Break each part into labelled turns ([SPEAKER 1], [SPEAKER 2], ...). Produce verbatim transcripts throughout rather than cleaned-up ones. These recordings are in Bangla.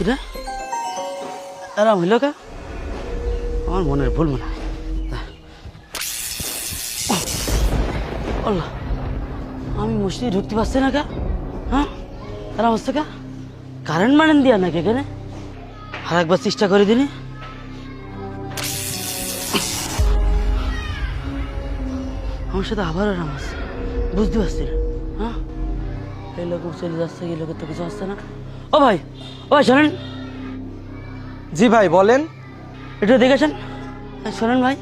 [SPEAKER 1] কিরে এরাম হইল কা? আমার মনের ভুল মনে হয়। আল্লাহ, আমি মসজিদে ঢুকতে পারছি না কা? হ্যাঁ, এরাম হচ্ছে কা? কারেন্ট মারেন দিয়া নাকি এখানে? আর একবার চেষ্টা করে দিনি। আমার সাথে আবার এরাম আছে, বুঝতে পারছি না। হ্যাঁ, এই লোক চলে যাচ্ছে, এই লোকের তো কিছু আসছে না। ও ভাই, ও ভাই শোনেন।
[SPEAKER 2] জি ভাই বলেন।
[SPEAKER 1] একটু দেখেছেন? শোনেন ভাই,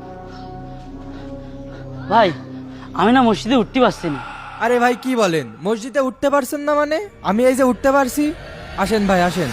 [SPEAKER 1] ভাই আমি না মসজিদে উঠতে পারছি না।
[SPEAKER 2] আরে ভাই কি বলেন, মসজিদে উঠতে পারছেন না মানে? আমি এই যে উঠতে পারছি। আসেন ভাই আসেন।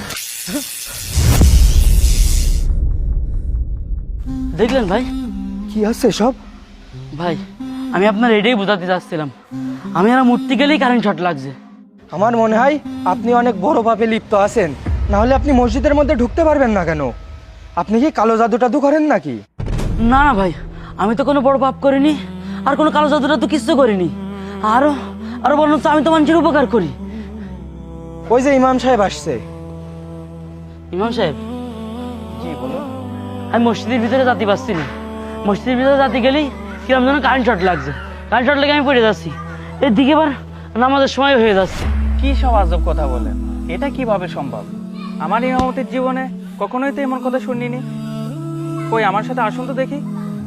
[SPEAKER 1] দেখলেন ভাই?
[SPEAKER 2] কি আছে সব?
[SPEAKER 1] ভাই আমি আপনার এটাই বোঝাতে চাচ্ছিলাম, আমি আর উঠতে গেলেই কারেন্ট শর্ট লাগছে।
[SPEAKER 2] আমার মনে হয় আপনি অনেক বড় পাপে লিপ্ত আছেন, না হলে আপনি মসজিদের মধ্যে ঢুকতে পারবেন না কেন? আপনি কি কালো জাদু টাদু করেন নাকি?
[SPEAKER 1] না না ভাই, আমি তো কোনো বড় পাপ করিনি, আর কোনো কালো জাদুটা তো কিচ্ছু করিনি। আরো আরো বলুন তো, আমি তো মানুষের উপকার করি।
[SPEAKER 2] ওই যে ইমাম সাহেব আসছে।
[SPEAKER 1] ইমাম সাহেব?
[SPEAKER 2] জি বলুন।
[SPEAKER 1] আমি মসজিদের ভিতরে যেতে পারছি না। মসজিদের ভিতরে যেতে গেলেই কিরম যেন কারেন্ট শর্ট লাগছে। কারেন্ট শর্ট লেগে আমি পড়ে যাচ্ছি। এর দিকে এবার নামাজের সময় হয়ে যাচ্ছে।
[SPEAKER 3] কি সব আজব কথা বলেন? এটা কিভাবে সম্ভব? আমার ইমামতির জীবনে কখনোই তো এমন কথা শুনিনি। কই আমার সাথে আসুন তো দেখি।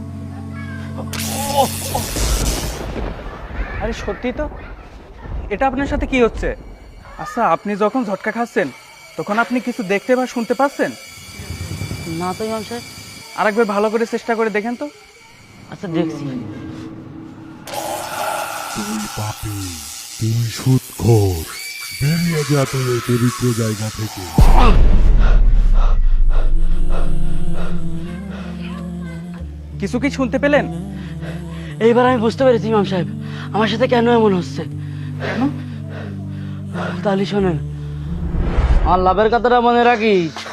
[SPEAKER 3] আরে সত্যি তো, এটা আপনার সাথে কি হচ্ছে? আচ্ছা, আপনি যখন ঝটকা খাচ্ছেন তখন আপনি কিছু দেখতে বা শুনতে পাচ্ছেন?
[SPEAKER 1] না তো ইমাম সাহেব।
[SPEAKER 3] আরেকবার ভালো করে চেষ্টা করে দেখেন তো।
[SPEAKER 1] আচ্ছা দেখছি।
[SPEAKER 4] তুই পাপী, তুই সুদখোর, বেরিয়ে যা তোর এই পবিত্র জায়গা থেকে।
[SPEAKER 3] কিছু কি শুনতে পেলেন?
[SPEAKER 1] এইবার আমি বুঝতে পেরেছি ইমাম সাহেব, আমার সাথে কেন এমন হচ্ছে।
[SPEAKER 3] কেন?
[SPEAKER 1] তাহলে শোনেন, আমার লাভের কথাটা মনে রাখিস।